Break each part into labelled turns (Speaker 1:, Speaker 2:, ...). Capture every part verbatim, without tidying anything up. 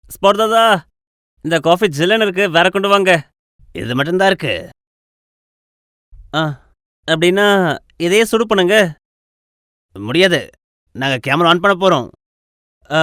Speaker 1: Spot தாதா, இந்த coffee ஜில்லுன்னு இருக்கு. வேற கொண்டு வாங்க. இது மட்டும் தான் இருக்கு. ஆ, அப்படின்னா இதையே சுடு பண்ணுங்க. முடியாது. நாங்க கேமரா ஆன் பண்ண போறோம். அ,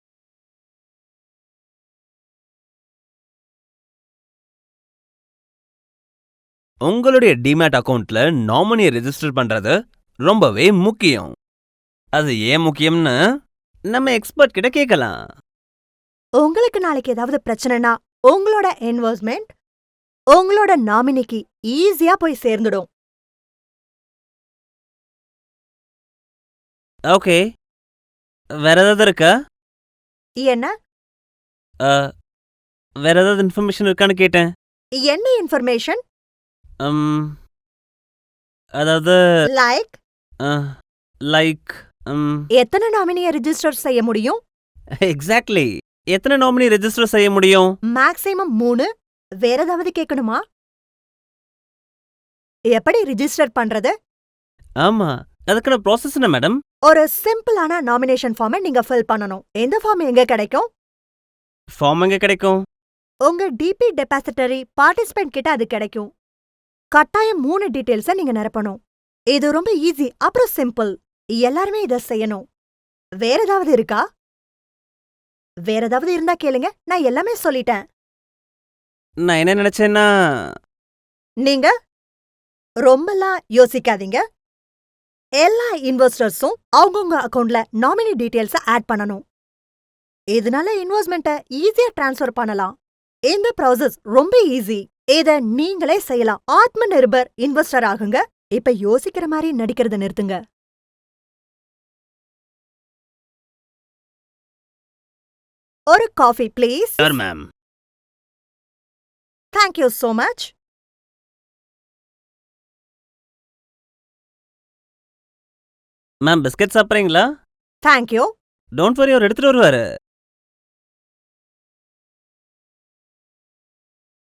Speaker 1: உங்களுடைய டிமேட் அக்கவுண்ட்ல நாமினியை ரெஜிஸ்டர் பண்றது ரொம்பவே முக்கியம். அது ஏன் முக்கியம்னு நம்ம எக்ஸ்பர்ட் கிட்ட கேட்கலாம்.
Speaker 2: உங்களுக்கு நாளைக்கு ஏதாவது பிரச்சனைனா உங்களோட இன்வெஸ்ட்மெண்ட் உங்களோட நாமினிக்கு ஈஸியா போய் சேர்ந்துடும்.
Speaker 1: ஓகே, வேற ஏதாவது இருக்கா?
Speaker 2: என்ன
Speaker 1: அ, வேற ஏதாவது இன்ஃபர்மேஷன் இருக்கான்னு கேட்டேன்.
Speaker 2: என்ன இன்ஃபர்மேஷன்?
Speaker 1: ம், அதாவது
Speaker 2: லைக்
Speaker 1: அ, லைக் ம்,
Speaker 2: எத்தனை நாமினியை ரிஜிஸ்டர் செய்ய முடியும்?
Speaker 1: எக்ஸாக்ட்லி. எத்தனை நாமினி ரெஜிஸ்டர் செய்ய முடியும்?
Speaker 2: மேக்ஸிமம் மூணு. வேற ஏதாவது கேட்கணுமா? எப்படி ரிஜிஸ்டர் பண்றது?
Speaker 1: ஆமா, அதுக்கான ப்ராசஸ் என்ன மேடம்?
Speaker 2: ஒரு சிம்பிளான நாமினேஷன் ஃபார்மை நீங்க ஃபில் பண்ணணும். இந்த ஃபார்ம் எங்க கிடைக்கும்?
Speaker 1: ஃபார்ம் எங்க கிடைக்கும்?
Speaker 2: உங்க டிபி டெபாசிட்டரி பார்ட்டிசிபென்ட் கிட்ட அது கிடைக்கும். கட்டாயம் மூணு டீடைல்ஸை நீங்க நிரப்பணும். இது ரொம்ப ஈஸி, அப்புறம் சிம்பிள். எல்லாருமே இத செய்யணும். வேற ஏதாவது இருக்கா? வேற ஏதாவது இருந்தா கேளுங்க, நான் எல்லாமே சொல்லிட்டேன்.
Speaker 1: நான் என்ன நினைச்சேன்னா,
Speaker 2: நீங்க ரொம்பலாம் யோசிக்காதீங்க. எல்லா இன்வெஸ்டர்ஸும் அவங்கவங்க அக்கவுண்ட்ல நாமினி டீடைல்ஸ ஆட் பண்ணணும். இதனால இன்வெஸ்ட்மெண்ட்டை ஈஸியா ட்ரான்ஸ்ஃபர் பண்ணலாம். இந்த ப்ராசஸ் ரொம்ப ஈஸி. இத நீங்களே செய்யலாம். ஆத்ம நிர்பர் இன்வெஸ்டர் ஆகுங்க. இப்ப யோசிக்கிற மாதிரி நடிக்கிறத நிறுத்துங்க. ஒரு coffee please.
Speaker 1: Sir ma'am.
Speaker 2: Thank you so much.
Speaker 1: Ma'am biscuit சாப்பிட்றீங்களா?
Speaker 2: Thank you.
Speaker 1: டோன்ட் வரி, அவர் எடுத்துட்டு வருவாரு.